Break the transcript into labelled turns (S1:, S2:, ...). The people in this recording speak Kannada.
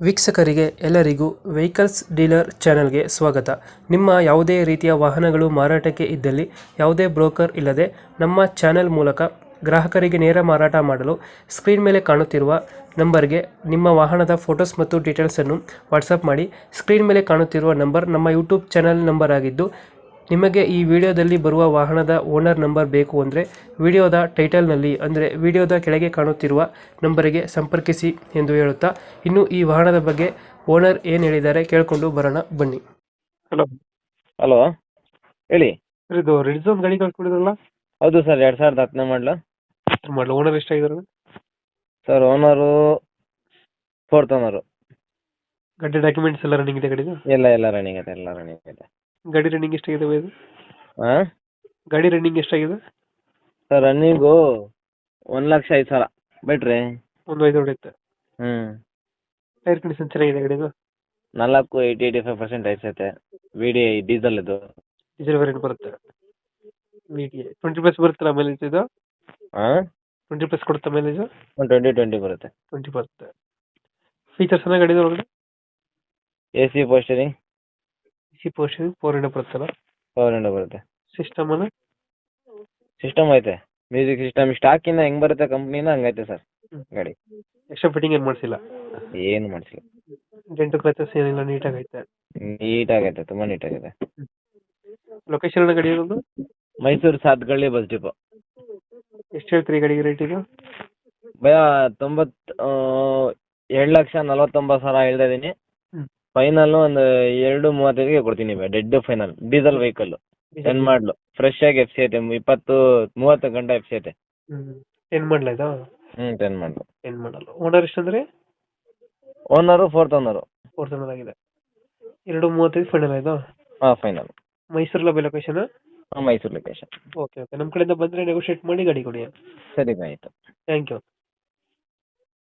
S1: ವೀಕ್ಷಕರಿಗೆ ಎಲ್ಲರಿಗೂ ವೆಹಿಕಲ್ಸ್ ಡೀಲರ್ ಚಾನೆಲ್ಗೆ ಸ್ವಾಗತ. ನಿಮ್ಮ ಯಾವುದೇ ರೀತಿಯ ವಾಹನಗಳು ಮಾರಾಟಕ್ಕೆ ಇದ್ದಲ್ಲಿ ಯಾವುದೇ ಬ್ರೋಕರ್ ಇಲ್ಲದೆ ನಮ್ಮ ಚಾನೆಲ್ ಮೂಲಕ ಗ್ರಾಹಕರಿಗೆ ನೇರ ಮಾರಾಟ ಮಾಡಲು ಸ್ಕ್ರೀನ್ ಮೇಲೆ ಕಾಣುತ್ತಿರುವ ನಂಬರ್ಗೆ ನಿಮ್ಮ ವಾಹನದ ಫೋಟೋಸ್ ಮತ್ತು ಡೀಟೇಲ್ಸನ್ನು ವಾಟ್ಸಪ್ ಮಾಡಿ. ಸ್ಕ್ರೀನ್ ಮೇಲೆ ಕಾಣುತ್ತಿರುವ ನಂಬರ್ ನಮ್ಮ ಯೂಟ್ಯೂಬ್ ಚಾನೆಲ್ ನಂಬರ್ ಆಗಿದ್ದು, ನಿಮಗೆ ಈ ವಿಡಿಯೋದಲ್ಲಿ ಬರುವ ವಾಹನದ ಓನರ್ ನಂಬರ್ ಬೇಕು ಅಂದರೆ ವಿಡಿಯೋದ ಟೈಟಲ್ನಲ್ಲಿ ಅಂದರೆ ವಿಡಿಯೋದ ಕೆಳಗೆ ಕಾಣುತ್ತಿರುವ ನಂಬರಿಗೆ ಸಂಪರ್ಕಿಸಿ ಎಂದು ಹೇಳುತ್ತಾ, ಇನ್ನು ಈ ವಾಹನದ ಬಗ್ಗೆ ಓನರ್ ಏನು ಹೇಳಿದ್ದಾರೆ ಕೇಳಿಕೊಂಡು ಬರೋಣ ಬನ್ನಿ. ಹಲೋ
S2: ಹಲೋ, ಹೇಳಿ.
S1: ಸರ್, ಇದು ರೆಡ್ ಝೋನ್ ಗಾಡಿ ಕಳ್ಸ್ಕೊಂಡಿದ್ರಲ್ಲ,
S2: ಹೌದು ಸರ್, 2010 ಮಾಡಲು.
S1: ಮಾಡಲು ಓನರ್ ಎಷ್ಟಾಗಿದ್ದಾರೆ?
S2: Sir, owner 4th owner.
S1: ಗಾಡಿ ಡಾಕ್ಯುಮೆಂಟ್ಸ್ ಎಲ್ಲ ರನ್ನಿಂಗ್ ಇದೆ ಗಾಡಿದು?
S2: ಎಲ್ಲ ರನ್ನಿಂಗ್ ಇದೆ,
S1: ಗಾಡಿ ರನ್ನಿಂಗ್ ಎಷ್ಟಾಗಿದೆ ಇದು?
S2: ಹಾಂ
S1: ಗಾಡಿ ರನ್ನಿಂಗ್ ಎಷ್ಟಾಗಿದೆ?
S2: ಸರ್, ರನ್ನಿಂಗು 1,05,000 ಬಿಟ್ರಿ.
S1: ಒಂದು 5 ಹೊಡೆಯುತ್ತೆ. ಟೈರ್ ಕಂಡೀಷನ್ ಚೆನ್ನಾಗಿದೆ ಗಾಡಿದು?
S2: 85% ಐತೆ. VDI ಡೀಸೆಲ್ ಇದು.
S1: ಡೀಸೆಲ್ ವೇರಿಯಂಟ್ ಬರುತ್ತೆ. 20+ ಬರುತ್ತಲ್ಲ ಮೈಲೇಜ್ ಇದು?
S2: ಹಾಂ,
S1: 20+ ಕೊಡುತ್ತೆ ಮೈಲೇಜ್?
S2: 20 ಬರುತ್ತೆ.
S1: 20 ಬರುತ್ತೆ. ಫೀಚರ್ಸ್ ಎಲ್ಲ ಗಾಡಿದು ಒಳಗಡೆ?
S2: AC ಪೋಸ್ಟರಿಂಗ್,
S1: ಪೋರ್ಷನ್ 4 ಬರುತ್ತಲ್ಲ?
S2: ಪವರ್ ವಿಂಡೋ ಬರುತ್ತೆ.
S1: ಸಿಸ್ಟಮ್ ಅನ್ನ
S2: ಸಿಸ್ಟಮ್ ಐತೆ, ಮ್ಯೂಸಿಕ್ ಸಿಸ್ಟಮ್. ಸ್ಟಾಕಿಂದ ಹೆಂಗ್ ಬರುತ್ತೆ ಕಂಪ್ನಿಯಿಂದ ಹಂಗೈತೆ ಸರ್ ಗಾಡಿ.
S1: ಎಕ್ಸ್ಟ್ರಾ ಫಿಟ್ಟಿಂಗ್ ಏನು ಮಾಡಿಸಿಲ್ಲ?
S2: ಏನು ಮಾಡಿಸಿಲ್ಲ.
S1: ಡೆಂಟು ಕ್ರಚಸ್ ಏನಿಲ್ಲ, ನೀಟಾಗೈತೆ.
S2: ನೀಟಾಗೈತೆ, ತುಂಬ ನೀಟಾಗಿದೆ.
S1: ಲೊಕೇಶನ್ ಗಾಡಿ ಇರೋದು?
S2: Mysuru Sathgalli bus depot.
S1: ಎಷ್ಟು ಹೇಳ್ತೀರಿ ಗಾಡಿಗೆ ರೇಟ್ ಇದು?
S2: ಭಯ 2,49,000 ಹೇಳ್ತಾ ಇದ್ದೀನಿ. ಫೈನಲ್ ಒಂದು 2,35ಗೆ ಕೊಡ್ತೀನಿ. Dead final. ಡೀಸೆಲ್ ವೆಹಿಕಲ್, 10 ಮಾಡಲು, ಫ್ರೆಶ್ ಆಗಿ FC ಐತೆ. 20-30 ಗಂಟೆ FC ಐತೆ.
S1: 10 ಮಾಡಲ ಇದು?
S2: 10 ಮಾಡಲು.
S1: 10 ಮಾಡಲ್ಲ. ಓನರ್ ಎಷ್ಟಂದ್ರೆ?
S2: Owner 4th owner.
S1: 4th owner ಆಗಿದೆ. 2,35 ಫೈನಲ್ ಇದು?
S2: ಹಾಂ, ಫೈನಲ್.
S1: ಮೈಸೂರಲ್ಲಿ ಲೊಕೇಶನ್?
S2: ಹಾಂ, ಮೈಸೂರು ಲೊಕೇಶನ್.
S1: ಓಕೆ. ನಮ್ಮ ಕಡೆಯಿಂದ ಬಂದರೆ ನೆಗೋಷಿಯೇಟ್ ಮಾಡಿ ಗಾಡಿ ಕೊಡಿ.
S2: ಸರಿ, ಆಯಿತು.
S1: Thank you.